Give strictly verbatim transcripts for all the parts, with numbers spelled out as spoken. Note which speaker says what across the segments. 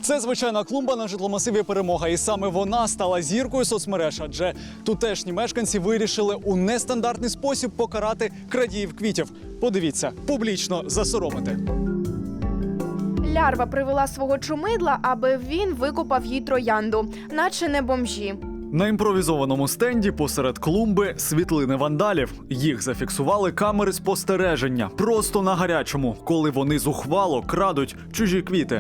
Speaker 1: Це звичайна клумба на житломасиві «Перемога». І саме вона стала зіркою соцмереж, адже тутешні мешканці вирішили у нестандартний спосіб покарати крадіїв квітів. Подивіться, публічно засоромити.
Speaker 2: Лярва привела свого чумидла, аби він викопав їй троянду, наче не бомжі.
Speaker 1: На імпровізованому стенді посеред клумби світлини вандалів. Їх зафіксували камери спостереження просто на гарячому, коли вони зухвало крадуть чужі квіти.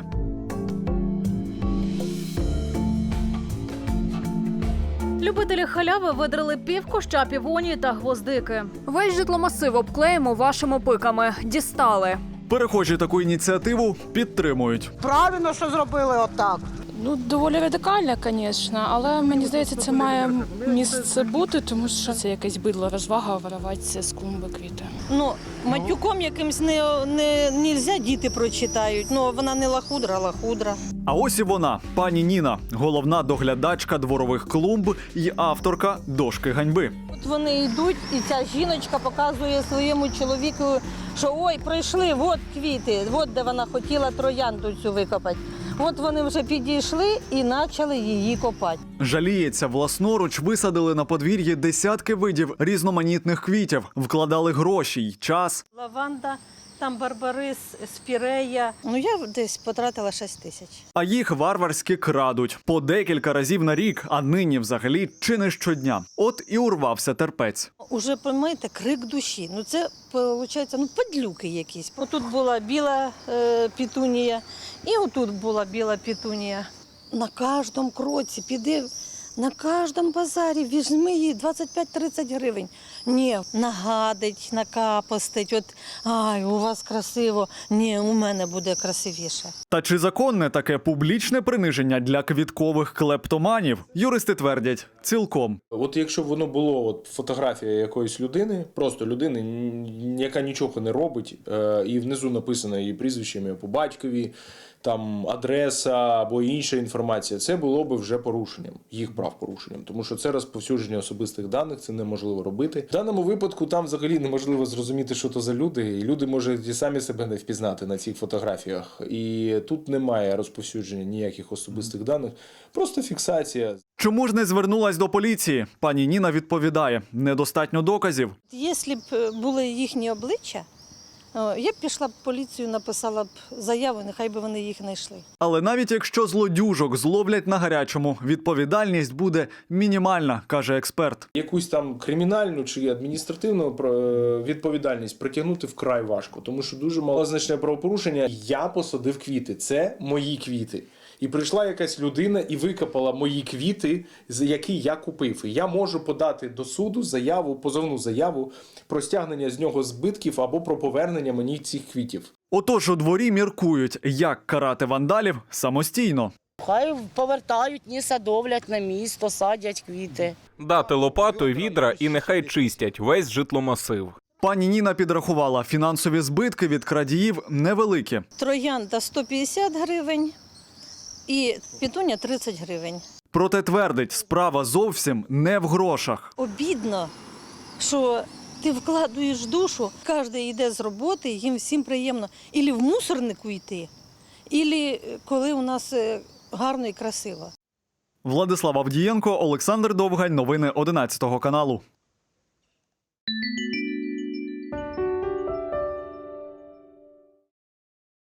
Speaker 3: Любителі халяви видрили пів куща півонії та гвоздики.
Speaker 4: Весь житломасив обклеїмо вашими пиками. Дістали.
Speaker 1: Перехожі таку ініціативу підтримують.
Speaker 5: Правильно, що зробили отак.
Speaker 6: Ну, доволі радикально, звісно, але мені здається, це має місце бути, тому що це якесь бидло розвага вириватися з клумби квіти.
Speaker 7: Ну, матюком якимсь не, не, нельзя, діти прочитають. Ну, вона не лахудра, лахудра.
Speaker 1: А ось і вона, пані Ніна, головна доглядачка дворових клумб і авторка «Дошки ганьби».
Speaker 7: От вони йдуть, і ця жіночка показує своєму чоловіку, що ой, прийшли, от квіти, от де вона хотіла троянду цю викопати. От вони вже підійшли і почали її копати.
Speaker 1: Жаліється, власноруч висадили на подвір'ї десятки видів різноманітних квітів, вкладали гроші й час.
Speaker 7: Лаванда, там барбарис, спірея. Ну, я десь потратила шість тисяч.
Speaker 1: А їх варварськи крадуть. По декілька разів на рік, а нині взагалі чи не щодня. От і урвався терпець.
Speaker 7: Уже, розумієте, крик душі. Ну, це, виходить, ну, падлюки якісь. Отут була біла е, петунія, і отут була біла петунія. На кожному кроці піди, на кожному базарі візьми її двадцять п'ять тридцять гривень. Ні, нагадить, накапостить, от, ай, у вас красиво, ні, у мене буде красивіше.
Speaker 1: Та чи законне таке публічне приниження для квіткових клептоманів? Юристи твердять, цілком.
Speaker 8: От якщо б воно було от, фотографія якоїсь людини, просто людини, яка нічого не робить, е, і внизу написано її прізвище, ім'я по батькові, там адреса або інша інформація, це було б вже порушенням, їх прав порушенням, тому що це розповсюдження особистих даних, це неможливо робити. В даному випадку там взагалі неможливо зрозуміти, що то за люди, і люди можуть і самі себе не впізнати на цих фотографіях. І тут немає розповсюдження ніяких особистих даних, просто фіксація.
Speaker 1: Чому ж не звернулась до поліції? Пані Ніна відповідає, недостатньо доказів.
Speaker 7: Якщо б були їхні обличчя, я б пішла б в поліцію, написала б заяву, нехай би вони їх знайшли.
Speaker 1: Але навіть якщо злодюжок зловлять на гарячому, відповідальність буде мінімальна, каже експерт.
Speaker 8: Якусь там кримінальну чи адміністративну відповідальність притягнути вкрай важко, тому що дуже малозначне правопорушення. Я посадив квіти, це мої квіти. І прийшла якась людина і викопала мої квіти, які я купив. І я можу подати до суду заяву, позовну заяву про стягнення з нього збитків або про повернення мені цих квітів.
Speaker 1: Отож у дворі міркують, як карати вандалів самостійно.
Speaker 9: Хай повертають, ні садовлять на місто, садять квіти.
Speaker 10: Дати лопату, відра і нехай чистять весь житломасив.
Speaker 1: Пані Ніна підрахувала, фінансові збитки від крадіїв невеликі.
Speaker 7: Троянда сто п'ятдесят гривень і петуня тридцять гривень.
Speaker 1: Проте твердить, справа зовсім не в грошах.
Speaker 7: Обідно, що ти вкладуєш душу, кожен йде з роботи, їм всім приємно. Ілі в мусорнику йти, ілі коли у нас гарно і красиво.
Speaker 1: Владислав Авдієнко, Олександр Довгань. Новини одинадцятого каналу.